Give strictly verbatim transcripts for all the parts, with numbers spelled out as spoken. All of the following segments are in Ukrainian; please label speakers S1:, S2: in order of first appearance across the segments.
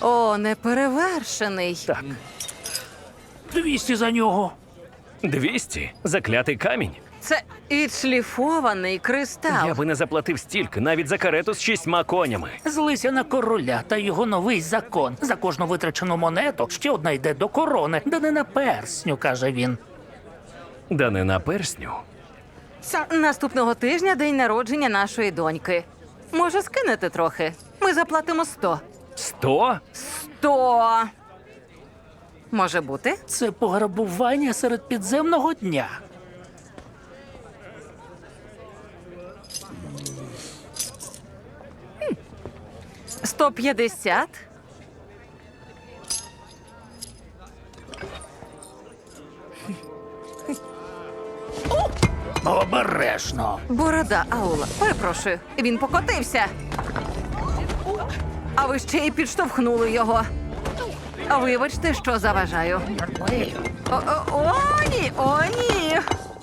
S1: О, неперевершений.
S2: Так.
S3: Двісті за нього.
S2: Двісті? Заклятий камінь?
S1: Це відшліфований кристал.
S2: Я би не заплатив стільки, навіть за карету з шістьма конями.
S3: Злися на короля та його новий закон. За кожну витрачену монету ще одна йде до корони, да не на персню, каже він.
S2: Да не на персню.
S1: Наступного тижня день народження нашої доньки. Може, скинете трохи? Ми заплатимо сто.
S2: Сто?
S1: Сто! Може бути?
S3: Це пограбування серед підземного дня.
S1: Сто п'ятдесят?
S3: Обережно.
S1: Борода Аула. Перепрошую, він покотився. А ви ще й підштовхнули його. Вибачте, що заважаю. О, о, о, ні, о, ні.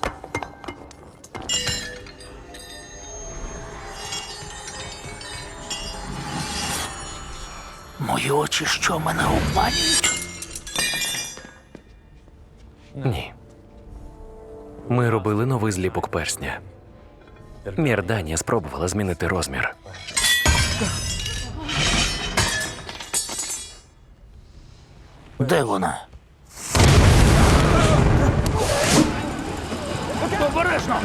S3: Мої очі що, мене обманюють?
S2: Ні. Ми робили новий зліпок персня. Мірданія спробувала змінити розмір.
S3: Де вона? Обережно!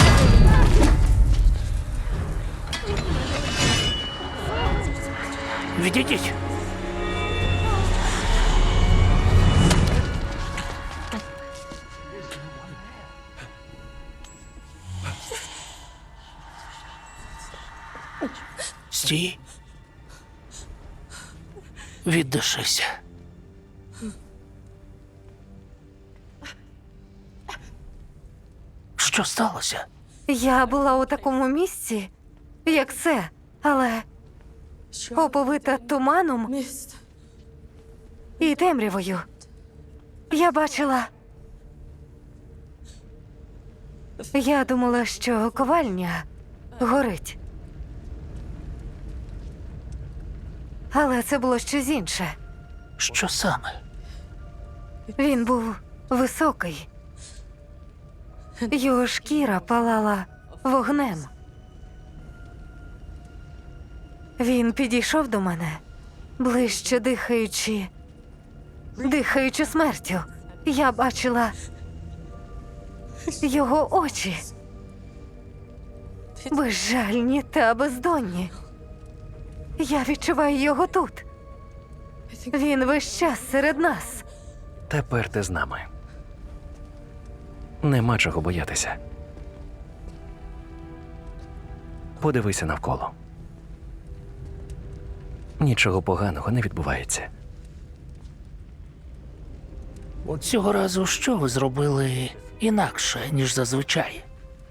S3: Відійдіть! Стій. Віддишися. Що сталося?
S4: Я була у такому місці, як це, але оповита туманом і темрявою. Я бачила. Я думала, що ковальня горить. Але це було щось інше.
S3: Що саме?
S4: Він був високий. Його шкіра палала вогнем. Він підійшов до мене, ближче дихаючи, дихаючи смертю. Я бачила його очі. Безжальні та бездонні. Я відчуваю його тут. Він весь час серед нас.
S2: Тепер ти з нами. Нема чого боятися. Подивися навколо. Нічого поганого не відбувається.
S3: Цього разу що ви зробили інакше, ніж зазвичай?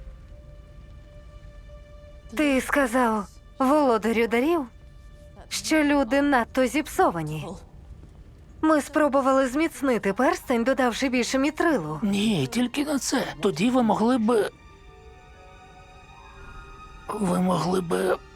S4: Ти сказав володарю дарів, що люди надто зіпсовані. Ми спробували зміцнити перстень, додавши більше мітрилу.
S3: Ні, тільки на це. Тоді ви могли б... Ви могли б